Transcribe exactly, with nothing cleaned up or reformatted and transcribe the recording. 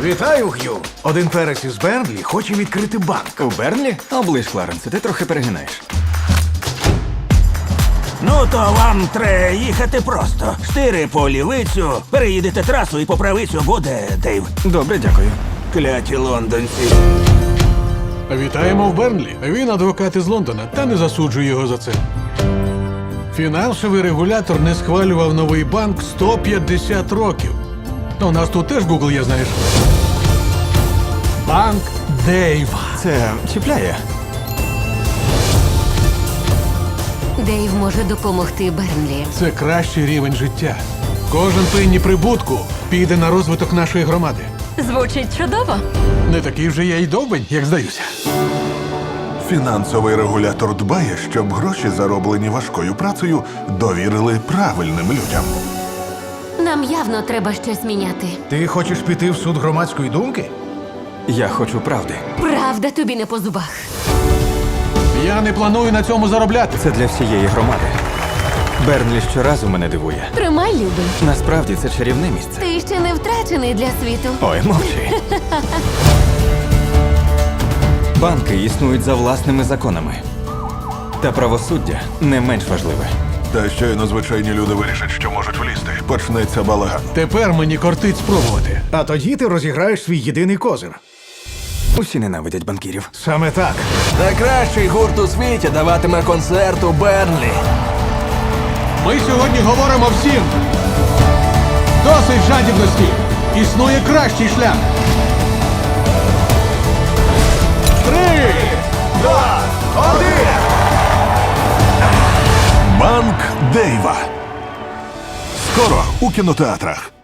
Вітаю, Г'ю. Один перець із Бернлі хоче відкрити банк. У Бернлі? Оближ, Кларенсе, ти трохи перегинаєш. Ну то вам треба їхати просто. Штири по лівицю, переїдете трасу і по правицю буде, Дейв. Добре, дякую. Кляті лондонці. Вітаємо в Бернлі. Він адвокат із Лондона, та не засуджую його за це. Фінансовий регулятор не схвалював новий банк сто п'ятдесят років. Та у нас тут теж Google є, знаєш. Банк Дейва. Це чіпляє. Дейв може допомогти Бернлі. Це кращий рівень життя. Кожен пенні прибутку піде на розвиток нашої громади. Звучить чудово. Не такий вже я й довбень, як здаюся. Фінансовий регулятор дбає, щоб гроші, зароблені важкою працею, довірили правильним людям. Нам явно треба щось міняти. Ти хочеш піти в суд громадської думки? Я хочу правди. Правда тобі не по зубах. Я не планую на цьому заробляти. Це для всієї громади. Бернлі щоразу мене дивує. Тримай, любий. Насправді це чарівне місце. Ти ще не втрачений для світу. Ой, мовчи. Банки існують за власними законами. Та правосуддя не менш важливе. Та щойно звичайні люди вирішать, що можуть влізти. Почнеться балаган. Тепер мені кортить спробувати. А тоді ти розіграєш свій єдиний козир. Усі ненавидять банкірів. Саме так. Найкращий гурт у світі даватиме концерт у Бернлі. Ми сьогодні говоримо всім. Досить жадібності. Існує кращий шлях. Три, два, один. Банк Дейва. Скоро у кінотеатрах.